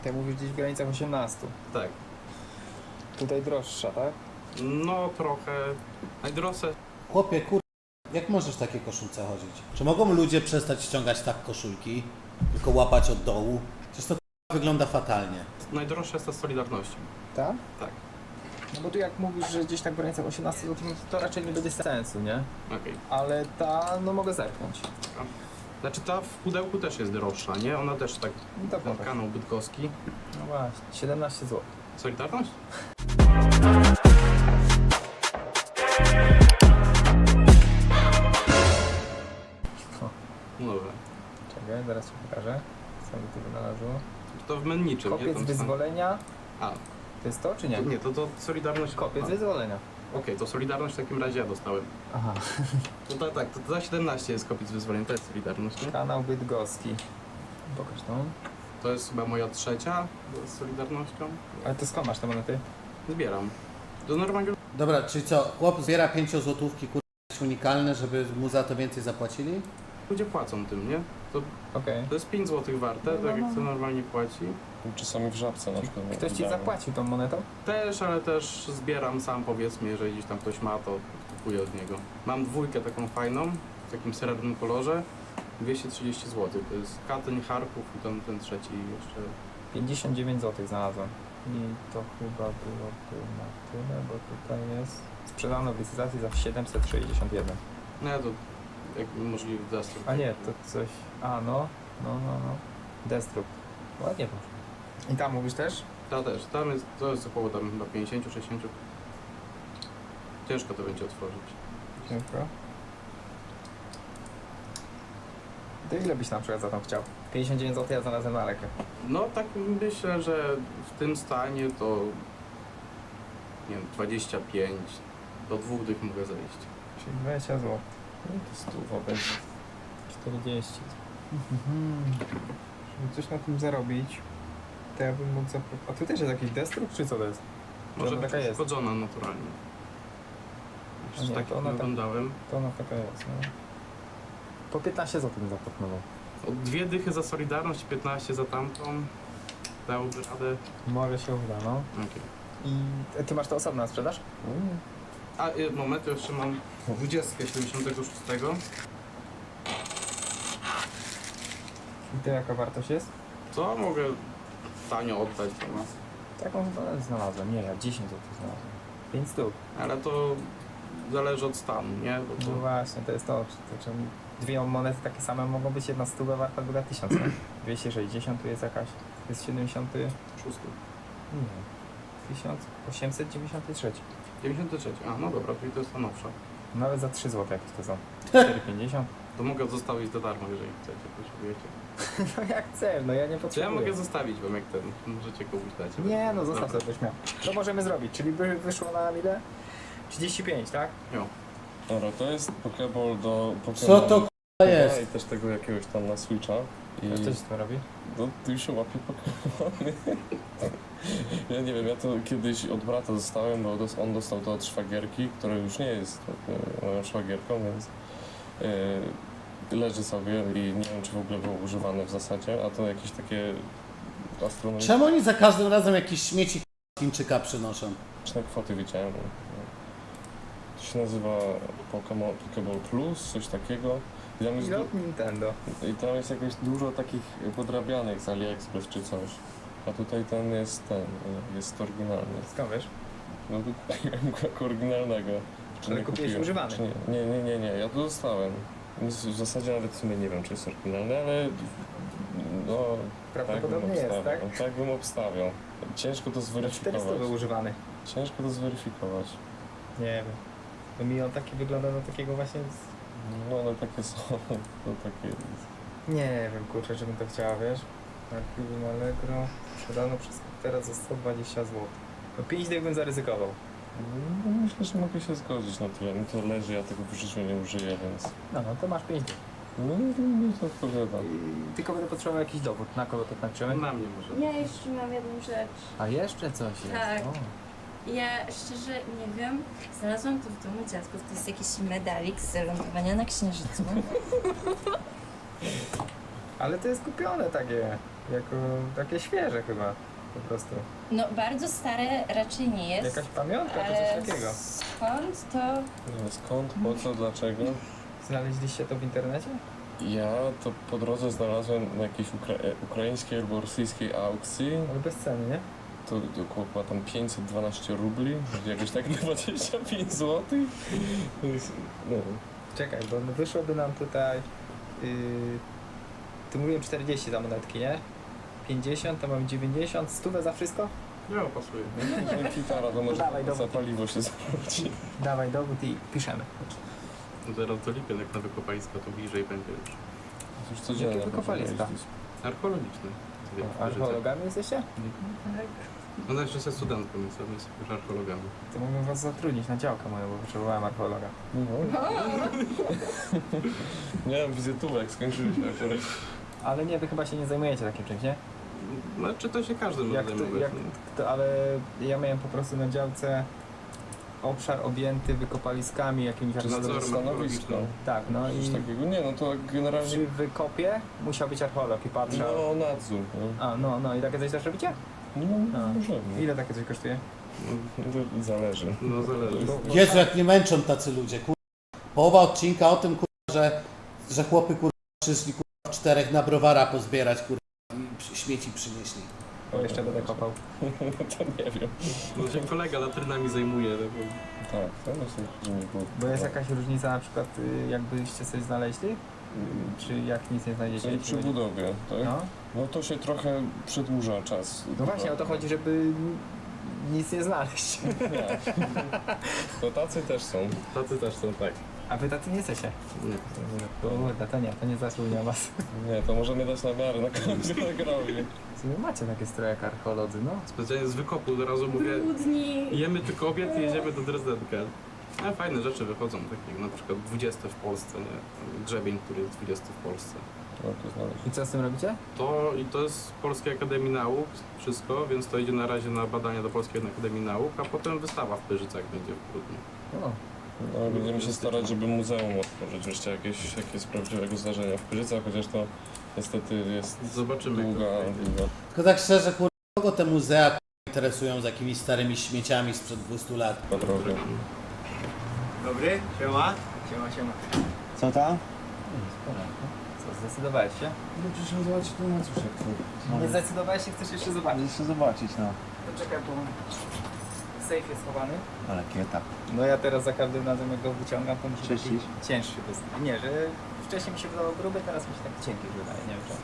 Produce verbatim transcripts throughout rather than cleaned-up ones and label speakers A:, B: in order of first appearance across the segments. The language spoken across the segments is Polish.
A: Ty mówisz gdzieś w granicach osiemnastu.
B: Tak.
A: Tutaj droższa, tak?
B: No trochę. Najdroższe.
C: Chłopie, kur... jak możesz w takiej koszulce chodzić? Czy mogą ludzie przestać ściągać tak koszulki, tylko łapać od dołu? Przecież to k***a wygląda fatalnie.
B: Najdroższa jest ta Solidarnością.
A: Tak?
B: Tak.
A: No bo tu jak mówisz, że gdzieś tak w granicach osiemnastu złotych, no to raczej nie będzie sensu, nie?
B: Okej.
A: Ale ta, no mogę zerknąć.
B: Znaczy ta w pudełku też jest droższa, nie? Ona też tak.
A: No to
B: Ten
A: pokaż.
B: kanał bydgoski.
A: No właśnie, siedemnaście złotych.
B: Solidarność? No dobra.
A: Czekaj, zaraz ci pokażę, co mi tu wynalazło.
B: To w menniczym, nie?
A: Kopiec
B: Tam
A: wyzwolenia,
B: A,
A: to jest to czy nie?
B: to, nie, to, to Solidarność.
A: Kopiec
B: A,
A: wyzwolenia.
B: Okej, to Solidarność w takim razie ja dostałem.
A: Aha.
B: To tak, tak, to, to za siedemnaście jest kopiec wyzwolenia, to jest Solidarność, nie?
A: Kanał bydgoski. Pokaż tą.
B: To jest chyba moja trzecia z Solidarnością.
A: Ale to skąd masz te monety?
B: Zbieram. Do normalnego
C: Dobra, czyli co, chłop zbiera pięciozłotówki, kur... unikalne, żeby mu za to więcej zapłacili?
B: ludzie płacą tym, nie? To,
A: Okej.
B: to jest pięć złotych warte,
A: No,
B: tak
A: no,
B: jak to
A: no.
B: normalnie płaci.
D: Czasami w Żabce na przykład.
A: Ktoś ci
D: wydają.
A: zapłacił tą monetą?
B: Też, ale też zbieram sam, powiedzmy, jeżeli gdzieś tam ktoś ma, to kupuję od niego. Mam dwójkę taką fajną, w takim srebrnym kolorze, dwieście trzydzieści złotych. To jest Katyń, Charków i ten, ten trzeci jeszcze.
A: pięćdziesiąt dziewięć złotych znalazłem. I to chyba było tu na tyle, bo tutaj jest... Sprzedano w licytacji za siedemset sześćdziesiąt jeden.
B: No ja to jak możliwy destrukt.
A: A nie, to coś... A no, no, no, no. Destrukt. Ładnie poszło. I tam mówisz też?
B: Ta też, tam jest, to jest około tam chyba pięćdziesiąt sześćdziesiąt. Ciężko to będzie otworzyć.
A: Ciężko. To ile byś na przykład za tą chciał? pięćdziesiąt dziewięć złotych ja znalazłem na rekę.
B: No tak myślę, że w tym stanie to nie wiem, dwadzieścia pięć do dwóch dych mogę zejść.
A: Czyli dwadzieścia złotych.
D: No to stuwa będzie.
A: czterdzieści. Żeby coś na tym zarobić, to ja bym mógł zaproponować. A tu też jest jakiś destrukt, czy co to jest?
B: Może
A: ona
B: być
A: taka jest.
B: uszkodzona naturalnie.
A: A
B: Już
A: nie,
B: tak
A: to ona tak-
B: oglądałem.
A: To ona taka jest, no. Po piętnaście złotych bym zaproponował.
B: Od dwie dychy za Solidarność, piętnaście za tamtą. Dałby radę.
A: Może się uda, no.
B: Okay.
A: I ty masz to osobno na sprzedaż?
D: Mm.
B: A y, moment, ja jeszcze mam dwudziestkę siedemdziesiątego szóstego.
A: I to jaka wartość jest?
B: Co mogę tanio oddać, to ma.
A: Taką chyba znalazłem. Nie, ja dziesięć złotych znalazłem. pięć stóp.
B: Ale to zależy od stanu, nie? Bo to...
A: No właśnie, to jest to. to czym dwie monety takie same mogą być, jedna stówa warta, druga tysiąc, nie? dwieście sześćdziesiąt, tu jest jakaś, to jest siedemdziesiąt,
B: Szósty.
A: nie, tysiąc osiemset dziewięćdziesiąt trzy.
B: dziewięćdziesiąty trzeci. A, no dobra, czyli to jest ta nowsza.
A: Nawet za trzy złote jakieś to są. cztery pięćdziesiąt.
B: To mogę zostawić za darmo, jeżeli chcecie, potrzebujecie.
A: No jak chcesz, no ja nie
B: Czy ja
A: potrzebuję.
B: mogę zostawić wam, jak ten, możecie komuś dać.
A: Nie, no zostaw
B: Dobra.
A: sobie śmiało. To możemy zrobić, czyli by wyszło na ile? trzydzieści pięć, tak?
B: Jo.
D: Dobra, to jest Pokeball do Pokemon.
C: Co to k***a
D: I
C: jest?
D: też tego jakiegoś tam na Switcha. I
A: A co się to robi?
D: no, tu się łapie Pokemony. Ja nie wiem, ja to kiedyś od brata dostałem, bo dos- on dostał to od szwagierki, która już nie jest e, moją szwagierką, więc e, leży sobie i nie wiem, czy w ogóle było używane w zasadzie, a to jakieś takie astronomiczne
C: Czemu oni za każdym razem jakieś śmieci k***a Chińczyka przynoszą?
D: kwoty widziałem. To się nazywa Pokemon Pokeball Plus, coś takiego. I tam jest,
A: I
D: du-
A: od Nintendo.
D: i tam jest jakoś dużo takich podrabianych z AliExpress czy coś. A tutaj ten jest ten, jest oryginalny.
A: Skąd wiesz?
D: No to kupiłem go jako oryginalnego. Czy
A: Ale
D: nie
A: kupiłeś
D: kupiłem?
A: używany?
D: Czy nie? nie, nie, nie, nie, ja to dostałem. Więc w zasadzie nawet w sumie nie wiem, czy jest oryginalny, ale no tak bym
A: Prawdopodobnie jest,
D: obstawiał.
A: tak?
D: Tak bym obstawiał. Ciężko to
A: czterysta
D: zweryfikować.
A: był używany.
D: Ciężko to zweryfikować.
A: Nie wiem. To mi on taki wygląda na takiego właśnie... Z...
D: No one takie są, to takie jest.
A: Nie wiem, kurczę, żebym to chciała, wiesz? Archiwum Allegro sprzedano przez teraz za sto dwadzieścia złotych. No pięć dych bym zaryzykował.
D: No, myślę, że mogę się zgodzić na tyle. Mi to leży, ja tego w życiu nie użyję, więc...
A: No, no to masz pięć dych.
D: No, mi to odpowiada.
A: I tylko będę potrzebował jakiś dowód. Na kogo to tańczymy?
B: Na mnie może.
E: Ja jeszcze mam jedną rzecz.
A: A jeszcze coś jest.
E: Tak.
A: O.
E: Ja szczerze nie wiem, znalazłam to w domu dziadków. To jest jakiś medalik z lądowania na Księżycu.
A: Ale to jest kupione takie. Jako takie świeże chyba, po prostu.
E: No bardzo stare raczej nie jest.
A: Jakaś pamiątka czy
E: ale
A: coś takiego.
E: skąd to?
D: Nie wiem skąd, po co, dlaczego.
A: Znaleźliście to w internecie?
D: Ja to po drodze znalazłem na jakiejś ukra ukraińskiej albo rosyjskiej aukcji.
A: Ale bez ceny, nie?
D: To, to około chyba tam pięćset dwanaście rubli, jakoś tak dwadzieścia pięć złotych. No,
A: Czekaj, bo wyszłoby nam tutaj... Yy, tu mówiłem czterdzieści za monetki, nie? pięćdziesiąt, to mam dziewięćdziesiąt, stówę za wszystko?
B: Nie, pasuje.
D: no gitara to może
A: Dawaj,
D: za
A: dowód.
D: paliwo się zwróci.
A: Dawaj dowód i piszemy.
B: No teraz to lipię, jak na wykopalisko, to bliżej będzie już.
D: Już codziennie
A: Jakie wykopaliska?
D: będziemy jeździć.
B: Archeologiczne. Wie, w Pyrzycach.
A: Archeologami jesteście?
E: Tak.
B: No też jestem studentką, więc ja jest już archeologami.
A: To mogę was zatrudnić na działkę moją, bo potrzebowałem archeologa.
D: No. Nie mam wizytówek, skończyliśmy akurat.
A: Ale nie, wy chyba się nie zajmujecie takim czymś, nie?
B: No czy to się każdy może
A: Jak to,
B: zajmować.
A: jak
B: no.
A: to, ale ja miałem po prostu na działce obszar objęty wykopaliskami jakimiś
B: Czy
A: archeologami.
B: nadzorem
D: Stanowisko.
B: archeologicznym.
A: Tak, no
D: Coś
A: i
D: takiego? Nie, no to generalnie...
A: przy wykopie musiał być archeolog i patrzał.
D: No, nadzór. No,
A: A, no, no i takie coś też robicie?
D: no
A: A.
D: możemy.
A: Ile takie coś kosztuje?
D: No, to zależy.
B: No zależy.
A: Bo-
C: Jezu, jak nie męczą tacy ludzie, kur... Połowa odcinka o tym, kur... że, że chłopy kur... przyszli kur... w czterech na browara pozbierać, kur... i przy- śmieci przynieśli.
A: Bo jeszcze będę kopał.
D: to nie wiem.
B: No się kolega latrynami zajmuje. No, bo...
D: Tak, to myślę, że nie było.
A: Bo jest jakaś różnica na przykład y, jakbyście coś znaleźli? Y, Czy jak nic nie znajdziecie?
D: Czyli przy budowie, tak?
A: No.
D: No to się trochę przedłuża czas.
A: No właśnie o to chodzi, żeby nic nie znaleźć.
D: Nie. To tacy też są.
B: Tacy też są, tak.
A: A wy tacy nie jesteście.
B: Nie.
A: Kurde, to nie, to nie zasługuje was.
D: Nie, to możemy dać na miarę na końcu nagrali.
A: W sumie macie takie stroje jak archeolodzy, no.
B: Specjalnie z wykopu od razu mówię,
E: Brudni.
B: jemy tylko obiad i jedziemy do Dresdenka. A fajne rzeczy wychodzą, takie na przykład dwudzieste w Polsce, nie? Grzebień, który jest dwudziesty w Polsce.
D: No to znaleźć.
A: I co z tym robicie?
B: To i to jest z Polskiej Akademii Nauk, wszystko, więc to idzie na razie na badania do Polskiej Akademii Nauk, a potem wystawa w Pyrzycach będzie w grudniu.
A: O,
D: No, będziemy się starać, żeby muzeum otworzyć wreszcie jakieś, jakieś prawdziwego zdarzenia w Pyrzycach, chociaż to niestety jest
B: Zobaczymy, jak to
D: długa,
B: wyjdzie.
D: długa.
C: Tylko tak szczerze, kur... kogo te muzea kur... interesują z jakimiś starymi śmieciami sprzed dwustu lat?
D: droga.
F: Dobry, siema.
A: siema, siema.
F: Co tam?
A: Co, zdecydowałeś się?
F: No przyszedłem zobaczyć to na cóż jak to.
A: Nie zdecydowałeś się, chcesz jeszcze zobaczyć.
F: Jeszcze zobaczyć, no.
A: To czekaj, bo safe jest schowany.
F: Ale kieta.
A: No ja teraz za każdym razem jak go wyciągam, to mi się taki
F: Czyścisz?
A: cięższy jest. Nie, że wcześniej mi się wydawał gruby, teraz mi się tak cienki wydaje, nie wiem czemu.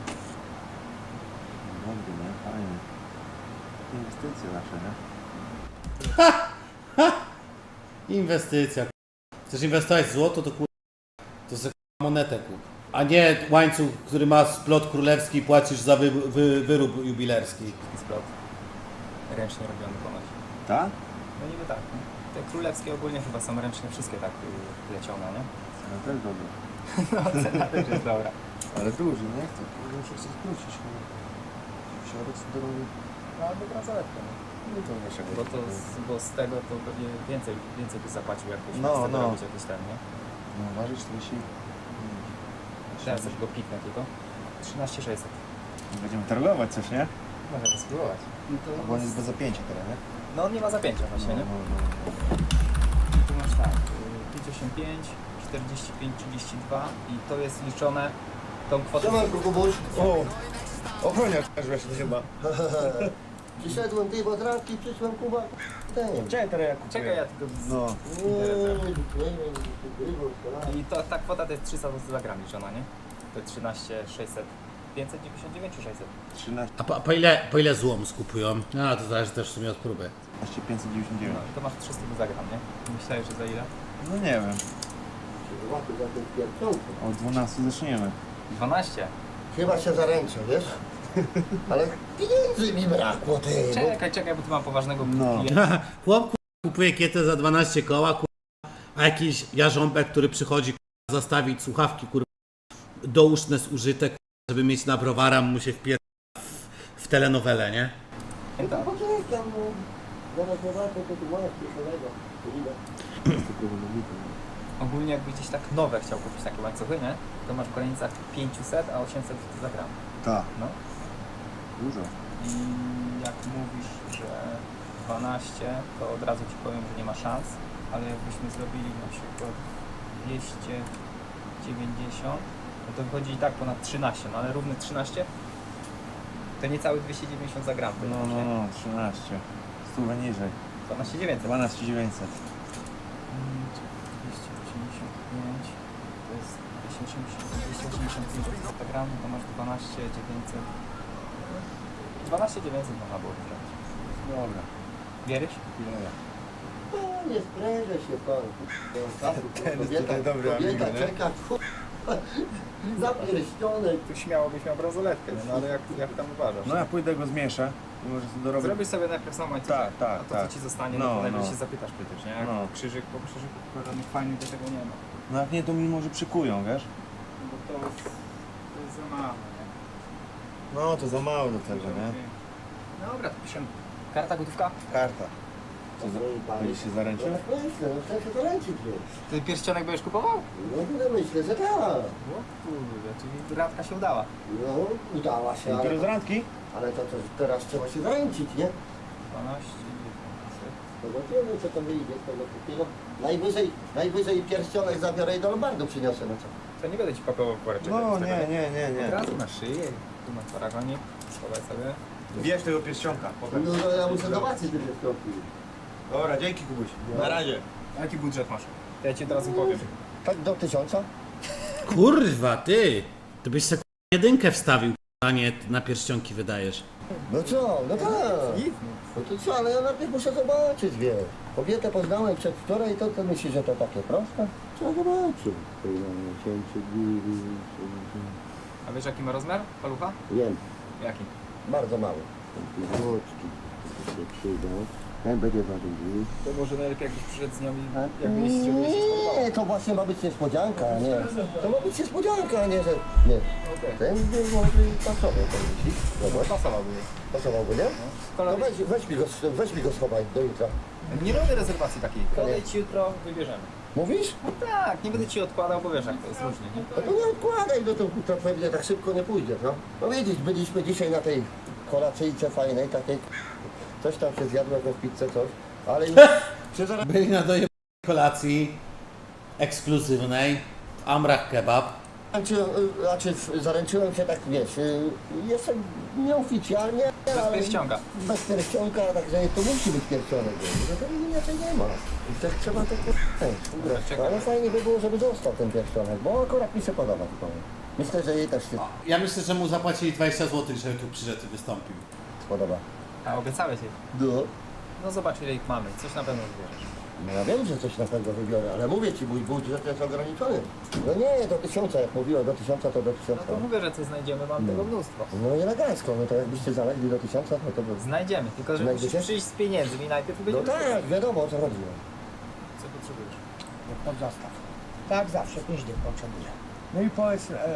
F: Dobry, nie? Fajnie. Inwestycje nasze, nie?
C: Inwestycja. kur... Chcesz inwestować w złoto, to kur... to za monetę kup. A nie łańcuch, który ma splot królewski i płacisz za wy... Wy... wyrób jubilerski.
A: Taki splot. Ręcznie robiony ponoć.
F: Tak?
A: No niby tak. Nie? Te królewskie ogólnie chyba są ręcznie wszystkie tak y, plecione, nie?
F: No też dobry.
A: No cena też jest dobra.
F: Ale duży, nie? To kurde muszę chcę skrócić. Środek drogi.
A: No albo bransoletkę, nie?
F: No to wiesz,
A: Bo, to, z- bo z tego to pewnie więcej, więcej by zapłacił jakbyś
F: No,
A: z tego
F: no.
A: robić jakiś ten, nie?
F: No ważysz czterdzieści.
A: Teraz też go piknę tylko. trzynaście sześćset.
F: Będziemy targować coś, nie?
A: Możemy spróbować.
F: Bo on jest bez zapięcia teraz, nie?
A: No on nie ma zapięcia właśnie, nie?
F: No, no, no.
A: I tu masz tak, y, pięćdziesiąt pięć, czterdzieści pięć, trzydzieści dwa i to jest liczone tą kwotą.
G: Siemanko, Kubuś.
F: O! Ochroniarz właśnie chyba.
G: Przyszedłem tej wodranki, przyszłem Kuba. Ten.
F: Czekaj, teraz ja kupuję.
A: Czekaj, ja tylko z...
F: No.
G: Nie, nie, nie, nie, nie,
A: I to, ta kwota to jest trzysta złotych za gram liczona, nie? To jest trzynaście sześćset. pięćset dziewięćdziesiąt dziewięć czy sześćset?
F: trzynaście
C: A po, po ile, po ile złom skupują? No to zależy też w sumie od próby.
F: pięćset dziewięćdziesiąt
A: No
F: dziewięć.
A: i to masz trzysta za gram, nie? Myślałeś, że za ile?
F: No nie wiem.
G: Łapy za ten pierwszą.
F: O dwunastu zaczniemy.
A: dwanaście.
G: Chyba się zaręczę, wiesz? Ale pieniędzy mi brakło, ty. Bo
A: Czekaj, czekaj, bo tu mam poważnego
F: No.
A: klienta.
C: Chłop kur... kupuje kietę za dwanaście koła, kur... a jakiś jarząbek, który przychodzi kur... zastawić słuchawki kur... douszne zużyte, kur... żeby mieć na browara, mu się wpier... w, w telenowelę, nie?
G: to poczekam, no. Zaraz zobaczę, co tu masz pierwszego. Ile?
A: Ogólnie jakbyś gdzieś tak nowe chciał kupić takie łańcuchy, nie? To masz w granicach pięćset, a osiemset za gram.
F: Tak.
A: No.
F: Dużo.
A: I jak mówisz, że dwanaście, to od razu ci powiem, że nie ma szans, ale jakbyśmy zrobili na przykład dwieście dziewięćdziesiąt, no to wychodzi i tak ponad trzynaście, no ale równe trzynaście? To niecałe dwieście dziewięćdziesiąt za gram.
F: No, no, no, trzynaście. Stówę niżej.
A: dwanaście dziewięćset.
F: dwanaście dziewięćset.
A: Mm, dwieście osiemdziesiąt pięć, to jest dwieście osiemdziesiąt, dwieście osiemdziesiąt pięć za gram, to masz dwanaście dziewięćset. dwanaście dziewięćset można było wygrać.
F: Dobra.
A: Wierzysz?
F: Ile?
G: No, nie sprężę się pan.
A: Ten jest
G: Kobieta,
A: tutaj dobry
G: kobieta
A: amigo, nie?
G: czeka, kur... za pierścionek.
A: Tu śmiało byś miał bransoletkę, no ale jak, jak tam uważasz?
F: No ja pójdę go zmieszę i może sobie dorobić.
A: Zrobisz sobie najpierw sam łańcuch,
F: Tak, tak,
A: a to
F: tak.
A: co ci zostanie,
F: No,
A: no, to najwyżej
F: no.
A: się zapytasz przecież, nie? Jak
F: No.
A: krzyżyk po krzyżyku, tylko żadnych fajnych do tego nie ma.
F: No jak nie, to mi może przykują, wiesz?
A: Bo to, to jest za mało, nie?
F: No to za mało do tego, nie?
A: Dobra, to piszemy. Karta, gotówka?
F: Karta. Co za...
G: Drogi panie.
F: Będziesz się zaręczył?
G: No myślę, no chcę się zaręczyć, wiesz.
A: Ty pierścionek będziesz kupował?
G: No no, myślę, że tak.
A: O kurde, czyli radka się udała.
G: No, udała się,
F: Dopiero z
G: ale,
F: randki?
G: ale to, to teraz trzeba się zaręczyć, nie?
A: dwanaście dziewięćset.
G: Zobaczymy, co to wyjdzie z tego kupiego. Najwyżej, najwyżej pierścionek zabiorę i do lombardu przyniosę, no co?
A: To nie będę ci pakował woreczek.
F: No
A: z tego,
F: nie, nie, nie,
A: Od
F: nie.
A: razu na szyję, tu na paragonie, schowaj sobie.
F: Bierz tego pierścionka.
G: No, no ja muszę zobaczyć te pierścionki.
F: Dobra, dzięki Kubuś. Na razie.
A: A jaki budżet masz? To ja ci od razu powiem.
G: Tak do tysiąca?
C: Kurwa, ty! To byś sobie k***a, jedynkę wstawił, a nie na pierścionki wydajesz.
G: No co, no tak.
A: Nic,
G: No to co, ale ja najpierw muszę zobaczyć, wiesz. Kobietę poznałem przedwczoraj, to, to myślisz, że to takie proste? Trzeba zobaczyć.
A: A wiesz jaki ma rozmiar palucha?
G: Wiem,
A: Jaki?
G: bardzo mały. Złoczki się przyjdą. Ten będzie ważył.
A: To może najlepiej jakbyś przyszedł z nią i
G: A?
A: jakbyś się żeby się spodobało.
G: Nie, to właśnie ma być niespodzianka, a nie. To ma być niespodzianka, a nie, że. Nie.
A: Okej.
G: Ten by może i pasował, to myślisz? Zobacz,
A: Pasowałby jej.
G: pasowałby, nie?
A: No.
G: To
A: Kolor...
G: weź, weź, mi go, weź mi go schowaj do jutra.
A: Nie robię rezerwacji takiej. Kolej ci jutro wybierzemy.
G: Mówisz?
A: Tak, nie będę ci odkładał, bo wiesz jak to jest różnie, nie?
G: No to nie odkładaj, no to, to pewnie tak szybko nie pójdzie, no. No widzisz, byliśmy dzisiaj na tej kolacyjce fajnej, takiej, coś tam się zjadło, jakąś pizzę, coś, ale już się zaraz...
C: Byli na dojebanej kolacji ekskluzywnej w Amrach Kebab.
G: Znaczy, y, znaczy w- zaręczyłem się tak, wiesz, y, jestem nieoficjalnie,
A: Bez
G: ale
A: pierścionka.
G: bez pierścionka, także to musi być pierścionek, no to inaczej nie ma. I tak trzeba to ugrać.
A: Czekaj.
G: Ale fajnie by było, żeby został ten pierścionek, bo akurat mi się podoba. Powiem. Myślę, że jej też się
C: Ja myślę, że mu zapłacili dwadzieścia złotych, żeby tu przyszedł i wystąpił.
G: podoba.
A: A obiecałeś jej.
G: No.
A: No zobacz ile ich mamy, coś na pewno wybierzesz.
G: No ja wiem, że coś na pewno wybiorę, ale mówię ci, mój budżet jest ograniczony. No nie, do tysiąca, jak mówiłem, do tysiąca to do
A: No
G: tysiąca.
A: to mówię, że coś znajdziemy, mam tego mnóstwo.
G: No i elegancko, no to jakbyście zalegli do tysiąca, no to by...
A: Znajdziemy, tylko że
G: Znajdziecie?
A: musisz przyjść z pieniędzmi najpierw i
G: No
A: będziemy
G: tak, wiadomo o co chodzi.
A: Co potrzebujesz?
H: Pod zastaw. Tak zawsze, pięć dych potrzebuję. No i powiedz, e,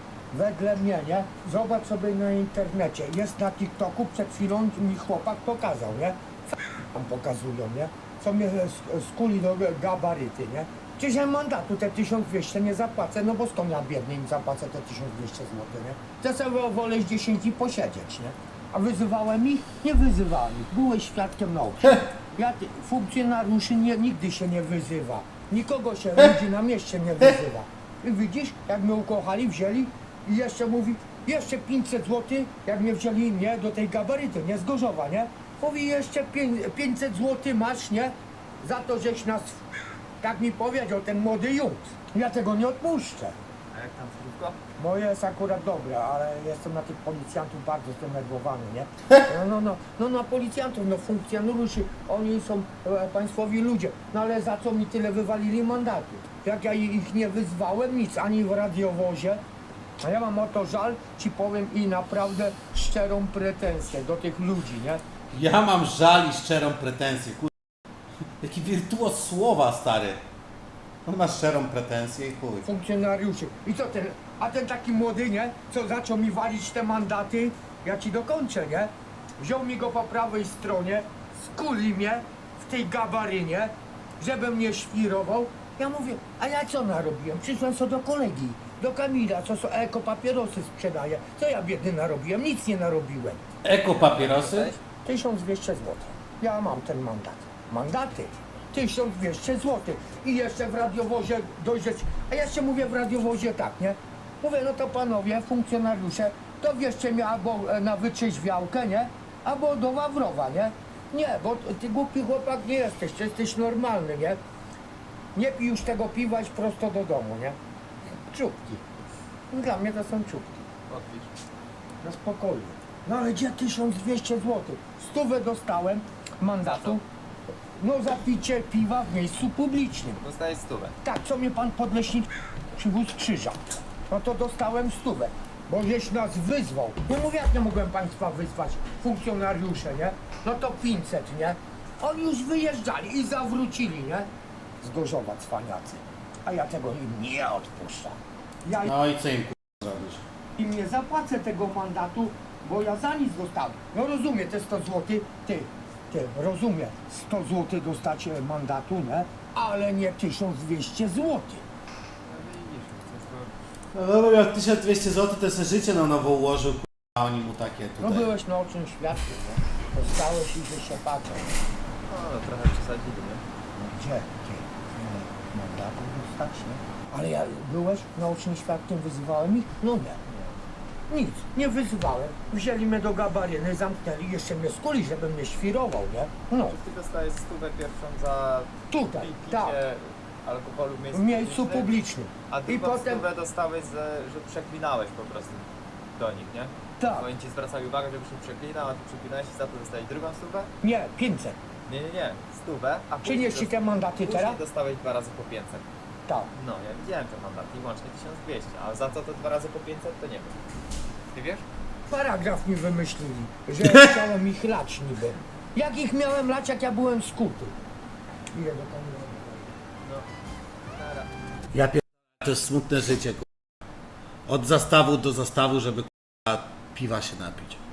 H: wedle mnie, nie? Zobacz sobie na internecie. Jest na TikToku, przed chwilą mi chłopak pokazał, nie? Tam pokazują, nie? Co mnie sk- skuli do gabaryty, nie? Przecież ja mandatu te tysiąc dwieście nie zapłacę, no bo skąd ja biedny im zapłacę te tysiąc dwieście złotych, nie? Ja sobie wolę z dziesięć dni posiedzieć, nie? A wyzywałem ich? Nie wyzywałem ich. Byłeś świadkiem nauki. Ja ty, funkcjonariuszy nie, nigdy się nie wyzywa. Nikogo się ludzi na mieście nie wyzywa. I widzisz, jak mnie ukochali, wzięli i jeszcze mówi, jeszcze pięćset złotych, jak mnie wzięli, nie, do tej gabaryty, nie, z Gorzowa, nie? Mówi, jeszcze pię- pięćset złotych masz, nie? Za to, żeś nas, tak mi powiedział ten młody Jung. Ja tego nie odpuszczę.
A: A jak tam zdrówko?
H: Moje jest akurat dobre, ale jestem na tych policjantów bardzo zdenerwowany, nie? No, no, no, no na policjantów, no funkcjonariuszy, oni są e, państwowi ludzie, no ale za co mi tyle wywalili mandatu? Jak ja ich nie wyzwałem, nic, ani w radiowozie, a ja mam o to żal, ci powiem i naprawdę szczerą pretensję do tych ludzi, nie?
C: Ja mam żal i szczerą pretensję, kur... Jaki wirtuoz słowa, stary. On ma szczerą pretensję i chuj.
H: Funkcjonariuszy. I co ten, a ten taki młody, nie? Co zaczął mi walić te mandaty, ja ci dokończę, nie? Wziął mi go po prawej stronie, skuli mnie w tej gabarynie, żebym mnie świrował. Ja mówię, a ja co narobiłem? Przyszłem co do kolegi, do Kamila, co so eko papierosy sprzedaje. Co ja biedny narobiłem? Nic nie narobiłem.
C: Eko papierosy?
H: tysiąc dwieście złotych. Ja mam ten mandat. Mandaty. tysiąc dwieście złotych. I jeszcze w radiowozie dojrzeć. A ja jeszcze mówię w radiowozie tak, nie? Mówię, no to panowie, funkcjonariusze, to wierzcie mnie albo e, na wytrzeźwiałkę, nie? Albo do Wawrowa, nie? Nie, bo ty głupi chłopak nie jesteś, ty jesteś normalny, nie? Nie pij już tego piwa, idź prosto do domu, nie? Czubki. Dla mnie to są czubki.
A: Odpisz.
H: Na spokojnie. No ale gdzie tysiąc dwieście złotych? Stówę dostałem mandatu. No za picie piwa w miejscu publicznym.
A: Dostajesz stówę.
H: Tak, co mnie pan podleśnik przywóz krzyża. No to dostałem stówę, bo żeś nas wyzwał. Nie mówię, jak nie mogłem państwa wyzwać, funkcjonariusze, nie? No to pięćset, nie? Oni już wyjeżdżali i zawrócili, nie? Z Gorzowa cwaniacy. A ja tego im nie odpuszczam. Ja
C: No i co im kurwa zrobisz?
H: im nie zapłacę tego mandatu, bo ja za nic dostałem. No rozumiem, te sto złotych, ty, ty, rozumiem, sto złotych dostać e, mandatu, nie? Ale nie tysiąc dwieście złotych.
C: No dobra, miał tysiąc dwieście złotych, to sobie życie na nowo ułożył, kurwa, a oni mu takie
H: No
C: tutaj.
H: byłeś naocznym świadkiem, nie? Dostałeś i że się patrzą.
A: No, no trochę przesadzili, nie?
H: No gdzie, gdzie? Nie, mandatu dostać, nie? Ale ja, byłeś naocznym świadkiem, wyzywałem ich? No nie. Nic, nie wyzywałem. Wzięli mnie do gabaryny, zamknęli, jeszcze mnie skuli, żeby mnie świrował, nie? No,
A: Ty dostajesz stówę pierwszą za
H: tutaj,
A: picie
H: tak,
A: alkoholu w miejscu,
H: w miejscu
A: publicznym,
H: publicznym.
A: a
H: I
A: drugą
H: potem,
A: stówę dostałeś, za, że przeklinałeś po prostu do nich, nie?
H: tak,
A: Oni ci zwracali uwagę, żebyś nie przeklinał, a ty przeklinałeś i za to dostałeś drugą stówę?
H: nie, pięćset.
A: Nie, nie, nie, stówę, a później,
H: Przynieś ci te mandaty
A: później
H: teraz?
A: dostałeś dwa razy po pięćset.
H: Tak.
A: No, ja widziałem te mandaty i łącznie tysiąc dwieście, a za co to dwa razy po pięćset to nie wiem. Ty wiesz?
H: Paragraf mi wymyślili, że chciałem ich lać niby. Jak ich miałem lać, jak ja byłem skuty? Ile do kamery?
A: No, nara.
C: Ja pier... to jest smutne życie, kurwa. Od zastawu do zastawu, żeby kurwa, piwa się napić.